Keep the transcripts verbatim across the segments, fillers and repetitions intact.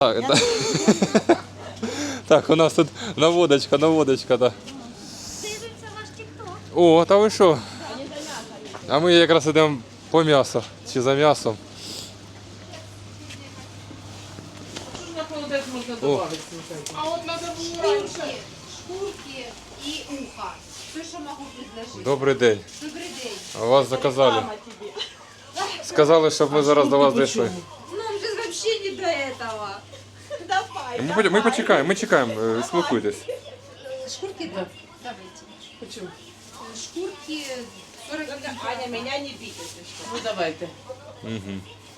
Так, так. Так, у нас тут наводочка, наводочка, так. Дивимося ваш тік-ток. О, та ви що? А ми якраз йдемо по м'ясу, чи за м'ясом. О, А от надо було раніше. Шкурки, шкурки і ухо. Все, що можу предложити. добрий день. Добрий день. А вас заказали. Мама тобі. Сказали, щоб ми зараз до вас дійшли. Ну, вже вообще не до этого. Давай. Ми, ми почекаємо, ми чекаємо, е, спілкуйтесь. Шкурки, да. Давайте. Почему? Шкурки сорок гривен. Аня, меня не бить, если что. Ну давайте. Угу.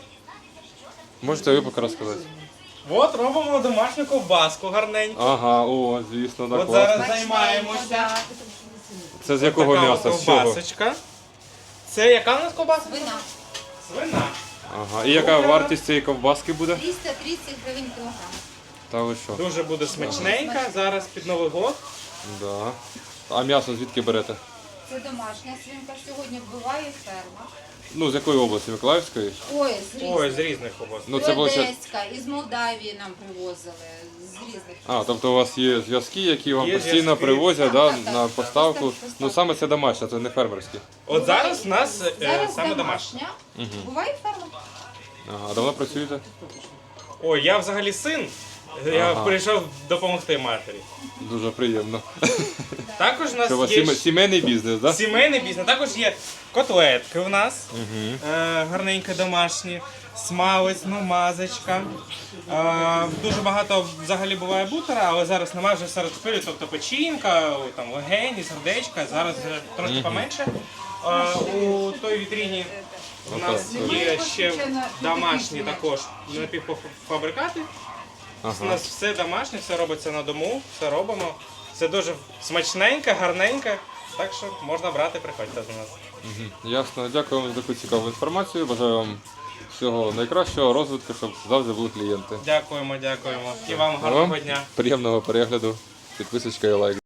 Можете ви поки розказати? От робимо домашню ковбаску гарненьку. Ага, о, звісно, так От зараз класно. займаємося. Це з якого Така м'яса? от З чого? ковбасочка. Це яка у нас ковбаса? Вина. Свина. Ага. І яка вартість цієї ковбаски буде? триста тридцять гривень кілограм. Та ви що? Дуже буде смачненька. Зараз під Новий год. Да. А м'ясо звідки берете? Це домашня свинка. Сьогодні вбиває ферма. Ну, з якої області? Миколаївської? Ой, з Ой, різних. з різних ковбас. Ну, З це було ще... Одеська, із Молдавії нам привозили. З різних. А, тобто у вас є зв'язки, які вам Є постійно зв'язки. привозять, Так, да, так, так, на так, поставку. поставку. Ну, саме це домашнє, це не фермерське. От зараз у нас е, Зараз саме домашня. домашня. Буває ферма. Ага, а давно працюєте? Ой, я взагалі син. Я Ага. прийшов допомогти матері. Дуже приємно. Також у нас Це у вас є сіме- сімейний бізнес, так? сімейний бізнес. Також є котлетки у нас. Угу. Е, гарненькі домашні, смалець, ну, мазочка. Е, дуже багато взагалі буває бутера, але зараз немає вже серед шпилю, тобто печінка, там, легені, сердечка, зараз вже трошки поменше. Е, у той вітріні у нас є ще домашні також напівфабрикати. У Ага. нас все домашнє, все робиться на дому, все робимо. Все дуже смачненьке, гарненьке, так що можна брати, приходьте до нас. Угу. Ясно. Дякую вам за таку цікаву інформацію. Бажаю вам всього найкращого, розвитку, щоб завжди були клієнти. Дякуємо, дякуємо. І вам гарного Вам дня. приємного перегляду, підписочка і лайк.